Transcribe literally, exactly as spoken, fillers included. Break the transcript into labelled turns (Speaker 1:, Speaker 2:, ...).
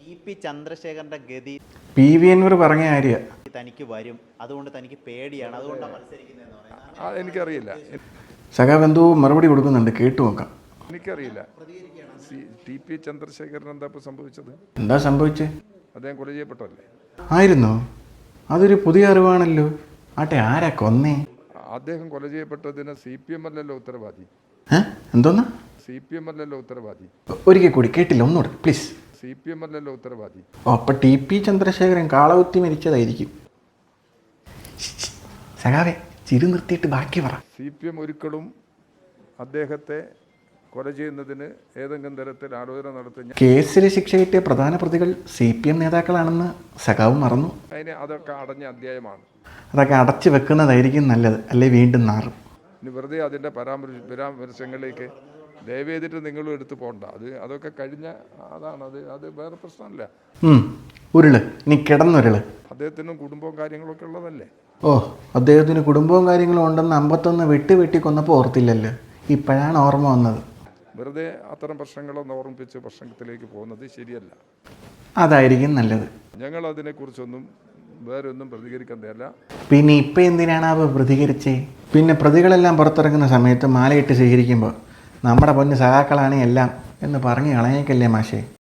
Speaker 1: E P ചന്ദ്രശേഖരന്റെ ഗതി
Speaker 2: P V Anwar പറഞ്ഞ കാര്യം
Speaker 1: തനിക്ക് വരും, അതുകൊണ്ട് തനിക്ക് പേടിയാണ്, അതുകൊണ്ടാണ് മത്സരിക്കുന്നതെന്ന് പറയുന്നത്.
Speaker 3: എനിക്കറിയില്ല.
Speaker 2: സഖാവ് എന്തോ മറുപടി കൊടുക്കുന്നുണ്ട്, കേട്ടു നോക്കാം.
Speaker 3: എനിക്കറിയില്ല ടി പി ചന്ദ്രശേഖരൻ എന്താ ഇപ്പോൾ സംഭവിച്ചത്?
Speaker 2: എന്താ സംഭവിച്ചത്?
Speaker 3: അദ്ദേഹം കൊല ചെയ്യപ്പെട്ടല്ലേ?
Speaker 2: ആയിരുന്നോ? അതൊരു പുതിയ അറിവാണല്ലോ. ആട്ടെ, ആരാ കൊന്നേ?
Speaker 3: അദ്ദേഹം കൊല ചെയ്യപ്പെട്ടതിന് സി പി എം അല്ലല്ലോ ഉത്തരവാദി.
Speaker 2: എന്തോന്ന്?
Speaker 3: സി പി എം അല്ലല്ലോ ഉത്തരവാദി.
Speaker 2: ഒരിക്കൽ കൂടി കേട്ടില്ല, ഒന്നുകൂടെ പ്ലീസ്.
Speaker 3: സി പി എം അല്ലല്ലോ ഉത്തരവാദി.
Speaker 2: ഓ, അപ്പൊ ടി പി ചന്ദ്രശേഖരൻ കാളകുത്തി മരിച്ചതായിരിക്കും. സഖാവേ, ചിരി നിർത്തിയിട്ട് ബാക്കി പറ.
Speaker 3: സി പി എം ഒരിക്കലും അദ്ദേഹത്തെ കൊല ചെയ്യുന്നതിന് ഏതെങ്കിലും തരത്തിൽ ആലോചന നടത്തി
Speaker 2: കേസിൽ ശിക്ഷ കിട്ടിയ പ്രധാന പ്രതികൾ സി പി എം നേതാക്കളാണെന്ന് സഖാവ് മറന്നു.
Speaker 3: അതിന് അതൊക്കെ അടഞ്ഞ അധ്യായമാണ്.
Speaker 2: അതൊക്കെ അടച്ചു വെക്കുന്നതായിരിക്കും നല്ലത്, അല്ലെ വീണ്ടും നാറും.
Speaker 3: ഇനി വെറുതെ അതിൻ്റെ പരാമർശ പരാമർശങ്ങളിലേക്ക് ദയവേദിട്ട് നിങ്ങളും എടുത്തു പോകണ്ട. അത് അതൊക്കെ കഴിഞ്ഞ അതാണ്. അത് അത് വേറെ പ്രശ്നമല്ല.
Speaker 2: ഉരുള് ഇനി കിടന്നുരുള്.
Speaker 3: അദ്ദേഹത്തിനും കുടുംബവും കാര്യങ്ങളൊക്കെ ഉള്ളതല്ലേ?
Speaker 2: ഓ, അദ്ദേഹത്തിന് കുടുംബവും കാര്യങ്ങളും ഉണ്ടെന്ന് അമ്പത്തൊന്ന് വെട്ടി വെട്ടി കൊന്നപ്പോൾ ഓർത്തില്ലല്ലോ, ഇപ്പോഴാണ് ഓർമ്മ വന്നത്.
Speaker 3: വെറുതെ അത്തരം പ്രശ്നങ്ങളൊന്നും ഓർമ്മിപ്പിച്ച് പ്രശ്നത്തിലേക്ക് പോകുന്നത് ശരിയല്ല.
Speaker 2: അതായിരിക്കും നല്ലത്.
Speaker 3: ഞങ്ങൾ അതിനെക്കുറിച്ചൊന്നും വേറെ ഒന്നും പ്രതികരിക്കാൻ തയ്യല്ല.
Speaker 2: പിന്നെ ഇപ്പം എന്തിനാണ് അവ പ്രതികരിച്ചേ? പിന്നെ പ്രതികളെല്ലാം പുറത്തിറങ്ങുന്ന സമയത്ത് മാലയിട്ട് സ്വീകരിക്കുമ്പോൾ നമ്മുടെ പൊന്ന് സഹാക്കളാണ് എല്ലാം എന്ന് പറഞ്ഞു കളഞ്ഞേക്കല്ലേ മാഷേ.